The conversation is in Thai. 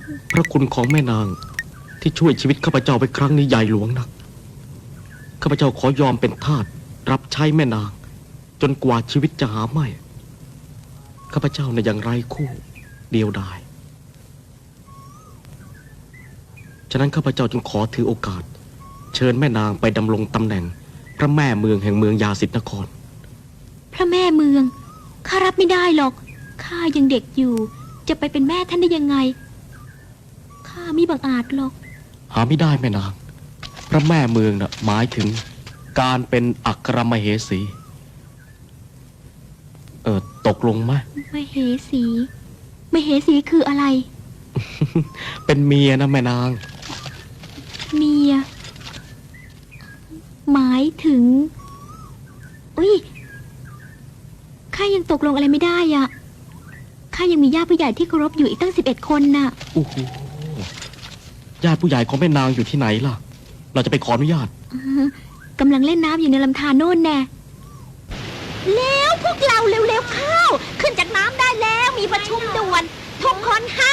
พระคุณของแม่นางที่ช่วยชีวิตข้าพเจ้าไปครั้งนี้ใหญ่หลวงนักข้าพเจ้าขอยอมเป็นทาสรับใช้แม่นางจนกว่าชีวิตจะหาไม่ข้าพเจ้าในอย่างไรคู่เดียวดายฉะนั้นข้าพเจ้าจึงขอถือโอกาสเชิญแม่นางไปดำรงตำแหน่งพระแม่เมืองแห่งเมืองยาสิทธนครพระแม่เมืองข้ารับไม่ได้หรอกข้ายังเด็กอยู่จะไปเป็นแม่ท่านได้ยังไงข้ามิบังอาจหรอกหาไม่ได้แม่นางพระแม่เมืองน่ะหมายถึงการเป็นอัครมเหสีตกลงไหมมเหสีมเหสีคืออะไรเป็นเมียนะแม่นางเมียหมายถึงอุ้ยข้ายังตกลงอะไรไม่ได้อ่ะข้ายังมีญาติผู้ใหญ่ที่เคารพอยู่อีกตั้ง11 คนน่ะโอ้โหญาติผู้ใหญ่ของแม่นางอยู่ที่ไหนล่ะเราจะไปขออนุญาตกำลังเล่นน้ำอยู่ในลำธารโน่นแน่แล้วพวกเราเร็วๆเข้าขึ้นจากน้ำได้แล้วมีประชุมด่วนทุกคนห้